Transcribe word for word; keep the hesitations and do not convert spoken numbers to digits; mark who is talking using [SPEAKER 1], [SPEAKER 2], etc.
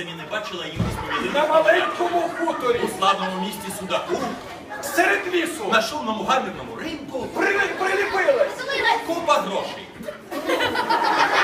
[SPEAKER 1] самі не бачили, а їм розповіли.
[SPEAKER 2] На маленькому хуторі,
[SPEAKER 1] У славному місті Судаку,
[SPEAKER 2] серед лісу,
[SPEAKER 1] на шумному гамірному ринку,
[SPEAKER 2] при, приліпилась.
[SPEAKER 1] купа грошей.